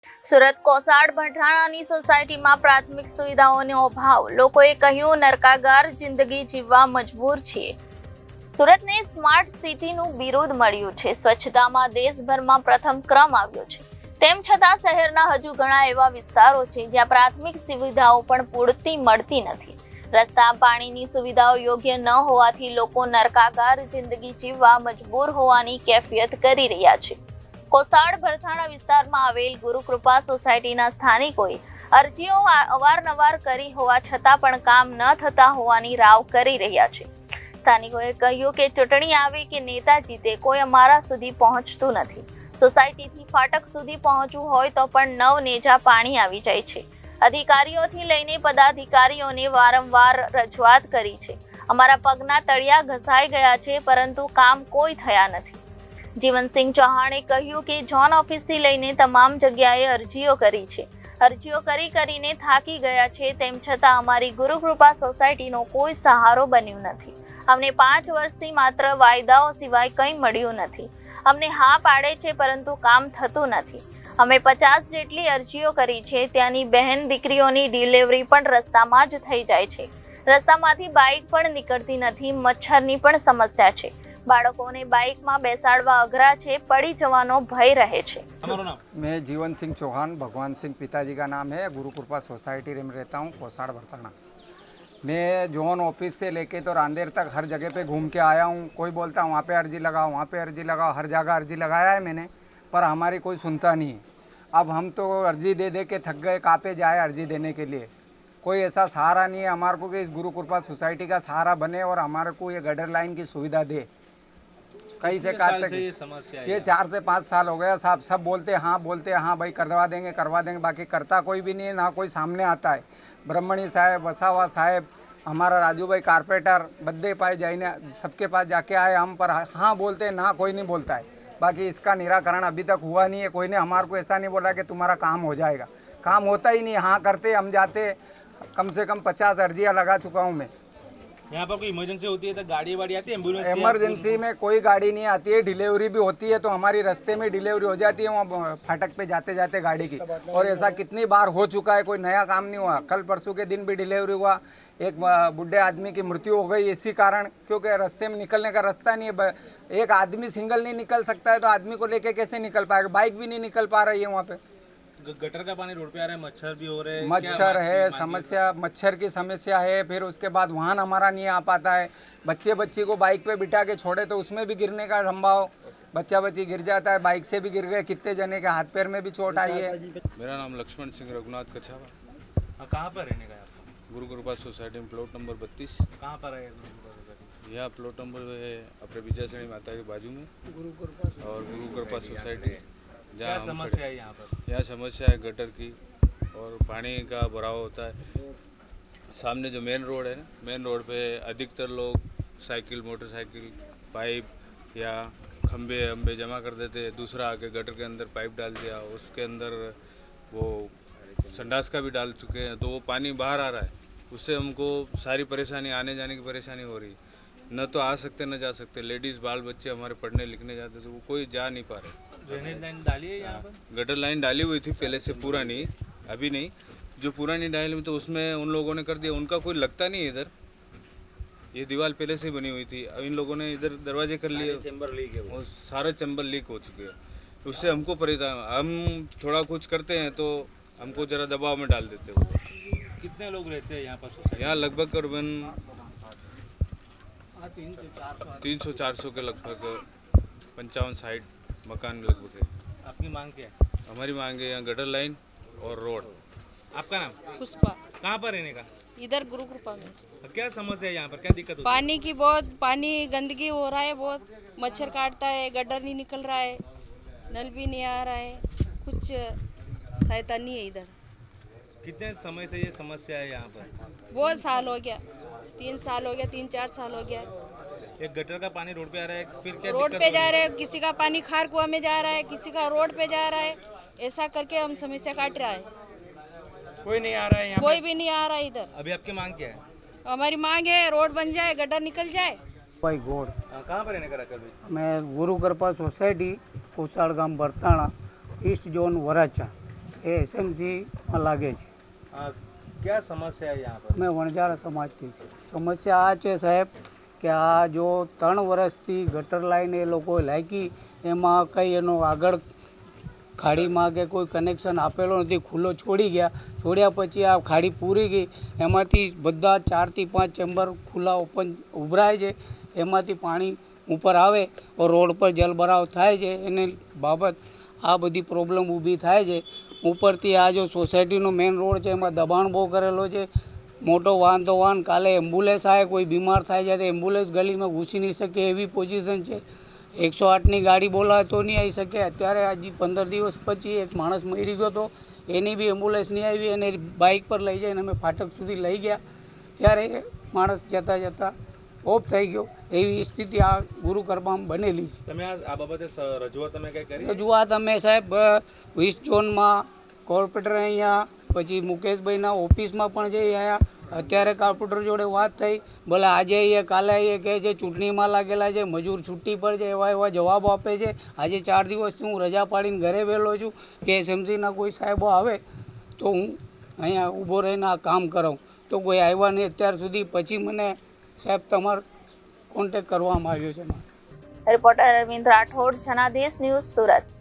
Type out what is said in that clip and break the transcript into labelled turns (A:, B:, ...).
A: સુરત કોસાડ ભઠાણાની સોસાયટીમાં પ્રાથમિક સુવિધાઓનો અભાવ, લોકોએ કહ્યું નરકાગાર જિંદગી જીવવા મજબૂર છીએ। સુરતને સ્માર્ટ સિટીનું બિરુદ મળ્યું છે, સ્વચ્છતામાં દેશભરમાં પ્રથમ ક્રમ આવ્યો છે। તેમ છતાં શહેરના હજુ ઘણા એવા વિસ્તારો છે જ્યાં પ્રાથમિક સુવિધાઓ પણ પૂરતી મળતી નથી। રસ્તા, પાણીની સુવિધાઓ યોગ્ય ન હોવાથી લોકો નરકાગાર જિંદગી જીવવા મજબૂર હોવાની કેફિયત કરી રહ્યા છે। કોસાડ ભરથાણા વિસ્તારમાં આવેલ ગુરુકૃપા સોસાયટીના સ્થાનિકોએ અરજીઓ અવારનવાર કરી હોવા છતાં પણ કામ ન થતા હોવાની રાવ કરી રહ્યા છે। સ્થાનિકોએ કહ્યું કે ચૂંટણી આવે કે નેતા જીતે, કોઈ અમારા સુધી પહોંચતું નથી। સોસાયટીથી ફાટક સુધી પહોંચવું હોય તો પણ નવનેજા પાણી આવી જાય છે। અધિકારીઓથી લઈને પદાધિકારીઓને વારંવાર રજૂઆત કરી છે। અમારા પગના તળિયા ઘસાઈ ગયા છે, પરંતુ કામ કોઈ થયા નથી। જીવનસિંહ ચૌહાણે કહ્યું કે ઝોન ઓફિસથી લઈને તમામ જગ્યાએ અરજીઓ કરી છે। અરજીઓ કરીને થાકી ગયા છે, તેમ છતાં અમારી ગુરુકૃપા સોસાયટીનો કોઈ સહારો બન્યો નથી। અમને 5 વર્ષથી માત્ર વાયદાઓ સિવાય કંઈ મળ્યું નથી। અમને હા પાડે છે, પરંતુ કામ થતું નથી। અમે 50 જેટલી અરજીઓ કરી છે। ત્યાંની બહેન દીકરીઓની ડિલિવરી પણ રસ્તામાં જ થઈ જાય છે। રસ્તામાંથી બાઇક પણ નીકળતી નથી। મચ્છરની પણ સમસ્યા છે। બાળકોને બાઇકમાં બેસાડવા અઘરા છે, પડી જવાનો ભય રહે છે।
B: मैं जीवन सिंह चौहान, भगवान सिंह पिताजी का नाम है। गुरुकृपा सोसाइटी में रहता हूँ, कोसाड़ भरथाना। मैं जोन ऑफिस से लेके तो रांदेर तक हर जगह पे घूम के आया हूँ। कोई बोलता वहाँ पे अर्जी लगाओ, वहाँ पे अर्जी लगाओ, हर जगह अर्जी लगाया है मैंने, पर हमारी कोई सुनता नहीं है। अब हम तो अर्जी दे दे के थक गए, कहाँ पे जाए अर्जी देने के लिए। कोई ऐसा सहारा नहीं है हमारे को कि इस गुरुकृपा सोसाइटी का सहारा बने और हमारे को ये गटर लाइन की सुविधा दे। कहीं से काट तक ये 4 से 5 साल हो गया साहब। सब बोलते हैं हाँ भाई करवा देंगे, बाकी करता कोई भी नहीं है, ना कोई सामने आता है। ब्रह्मणी साहब, वसावा साहब, हमारा राजू भाई कारपेटर, बद्दे पाए जाइने सबके पास जाके आए हम, पर हाँ बोलते हैं, ना कोई नहीं बोलता है। बाकी इसका निराकरण अभी तक हुआ नहीं है। कोई ने हमारे को ऐसा नहीं बोला कि तुम्हारा काम हो जाएगा। काम होता ही नहीं। हाँ करते हम जाते, कम से कम 50 अर्जियाँ लगा चुका हूँ मैं।
C: यहाँ पर कोई इमरजेंसी होती है तो गाड़ी वाड़ी आती है, एम्बुलेंस?
B: इमरजेंसी में कोई गाड़ी नहीं आती है। डिलीवरी भी होती है तो हमारी रास्ते में डिलीवरी हो जाती है, वहाँ फाटक पे जाते जाते गाड़ी की। और ऐसा कितनी बार हो चुका है, कोई नया काम नहीं हुआ। कल परसों के दिन भी डिलीवरी हुआ, एक बूढ़े आदमी की मृत्यु हो गई इसी कारण, क्योंकि रास्ते में निकलने का रास्ता नहीं है। एक आदमी सिंगल नहीं निकल सकता है तो आदमी को लेके कैसे निकल पाएगा। बाइक भी नहीं निकल पा रही है वहाँ पे।
C: गटर का पानी रोड पे आ रहा है, मच्छर भी हो रहे हैं।
B: मच्छर है समस्या, मच्छर की समस्या है। फिर उसके बाद वाहन हमारा नहीं आ पाता है। बच्ची को बाइक पे बिठा के छोड़े तो उसमें भी गिरने का संभाव, बच्ची गिर जाता है। बाइक से भी गिर गए, कितने जने के हाथ पैर में भी चोट आई है।
D: मेरा नाम लक्ष्मण सिंह रघुनाथ कछावा।
C: कहाँ पर रहने का है आपका?
D: गुरुकृपा सोसाइटी में प्लॉट नंबर 32।
C: कहाँ पर है गुरुकृपा सोसाइटी?
D: यहाँ प्लॉट नंबर है अपने विजयसणी माता के बाजू में, और गुरुकृपा सोसाइटी।
C: क्या समस्या है यहाँ पर?
D: यहाँ समस्या है गटर की और पानी का भराव होता है। सामने जो मेन रोड है ना, मेन रोड पे अधिकतर लोग साइकिल, मोटरसाइकिल, पाइप या खंबे जमा कर देते हैं। दूसरा आके गटर के अंदर पाइप डाल दिया, उसके अंदर वो संडास का भी डाल चुके हैं, तो वो पानी बाहर आ रहा है। उससे हमको सारी परेशानी, आने जाने की परेशानी हो रही है। न तो आ सकते न जा सकते। लेडीज़ बाल बच्चे हमारे पढ़ने लिखने जाते तो वो कोई जा नहीं पा रहे।
C: ड्रेनेज लाइन डाली है यहाँ पर?
D: गटर लाइन डाली हुई थी पहले से, पूरा नहीं, अभी नहीं। जो पुरानी डाली हुई तो उसमें उन लोगों ने कर दिया, उनका कोई लगता नहीं है इधर। ये दीवार पहले से बनी हुई थी, अब इन लोगों ने इधर दरवाजे कर लिए,
C: चैम्बर लीक है
D: और सारे चैम्बर लीक हो चुके हैं। उससे हमको परेशान, हम थोड़ा कुछ करते हैं तो हमको ज़रा दबाव में डाल देते हैं।
C: कितने लोग रहते हैं यहाँ पर?
D: यहाँ लगभग करीबन 300-400 के लगभग 55-60 मकान लगभग है।
C: आपकी मांग क्या है?
D: हमारी मांग है यहाँ गटर लाइन और रोड।
C: आपका नाम?
E: पुष्पा।
C: कहाँ पर रहने का?
E: इधर गुरुकृपा में।
C: क्या समस्या है यहाँ पर, क्या दिक्कत होती है?
E: पानी की बहुत, पानी गंदगी हो रहा है, बहुत मच्छर काटता है, गटर नहीं निकल रहा है, नल भी नहीं आ रहा है, कुछ सहायता नहीं है इधर।
C: कितने समय से ये समस्या है यहाँ पर?
E: बहुत साल हो गया, 3 साल हो गया, 3-4 साल हो गया।
C: एक गटर का पानी रोड पे आ रहा है, फिर क्या
E: रोड
C: दिक्कत
E: पे
C: हो रही
E: जा
C: है?
E: रहा है, किसी का पानी खार कुआं में जा रहा है, किसी का रोड पे जा रहा है, ऐसा करके हम समस्या काट रहा है।
C: कोई नहीं आ रहा है यहाँ
E: कोई भी नहीं आ रहा है इधर।
C: अभी आपकी मांग क्या है?
E: हमारी मांग है रोड बन जाए, गटर निकल जाए।
F: भाई गौड़,
C: कहाँ पर रहने का रखा भाई?
F: मैं गुरुकृपा सोसाइटी कोसाड़ गांव बरताणा, ईस्ट जोन वराचा। એ એસએમસીમાં લાગે છે.
C: क्या समस्या है यहाँ पर?
F: મેં વણજારા સમાજથી છે. સમસ્યા આ છે સાહેબ કે આ જો 3 વર્ષથી ગટર લાઈન એ લોકોએ લાગી એમાં કંઈ એનો આગળ ખાડીમાં કે કોઈ કનેક્શન આપેલો નથી, ખુલ્લો છોડી ગયા. છોડ્યા પછી આ ખાડી પૂરી ગઈ, એમાંથી બધા 4 થી 5 ચેમ્બર ખુલ્લા ઓપન ઉભરાય છે, એમાંથી પાણી ઉપર આવે રોડ પર જલભરાવ થાય છે. એને બાબત આ બધી પ્રોબ્લેમ ઊભી થાય છે. ઉપરથી આ જો સોસાયટીનો મેઇન રોડ છે એમાં દબાણ બહુ કરેલો છે. મોટો વાહન તો વાહન, કાલે એમ્બ્યુલન્સ આવે, કોઈ બીમાર થાય છે તો એમ્બ્યુલન્સ ગલીમાં ઘૂસી નહીં શકે એવી પોઝિશન છે. 108ની ગાડી બોલાવે તો નહીં આવી શકે. અત્યારે હજી 15 દિવસ પછી એક માણસ મરી ગયો હતો, એની બી એમ્બ્યુલન્સ નહીં આવી, એને બાઇક પર લઈ જઈને અમે ફાટક સુધી લઈ ગયા, ત્યારે માણસ જતાં જતાં ઓફ થઈ ગયો. એવી સ્થિતિ આ ગુરુ કૃપામાં બનેલી છે.
C: તમે આ બાબતે રજૂઆત તમે કઈ કરી?
F: રજૂઆત અમે સાહેબ 20 ઝોનમાં કોર્પોરેટર અહીંયા, પછી મુકેશભાઈના ઓફિસમાં પણ જઈ આવ્યા. અત્યારે કોર્પોરેટર જોડે વાત થઈ, ભલે આજે આવીએ કાલે આવીએ, કહે છે ચૂંટણીમાં લાગેલા છે, મજૂર છુટ્ટી પર છે, એવા જવાબો આપે છે. આજે 4 દિવસથી હું રજા પાડીને ઘરે વહેલો છું કે એસએમસીના કોઈ સાહેબો આવે તો હું અહીંયા ઊભો રહીને આ કામ કરાવું, તો કોઈ આવ્યા નહીં અત્યાર સુધી. પછી મને સાહેબ તમારો કોન્ટેક કરવામાં આવ્યો છે.
A: Reporter Arvind Rathod, Janadesh news, Surat.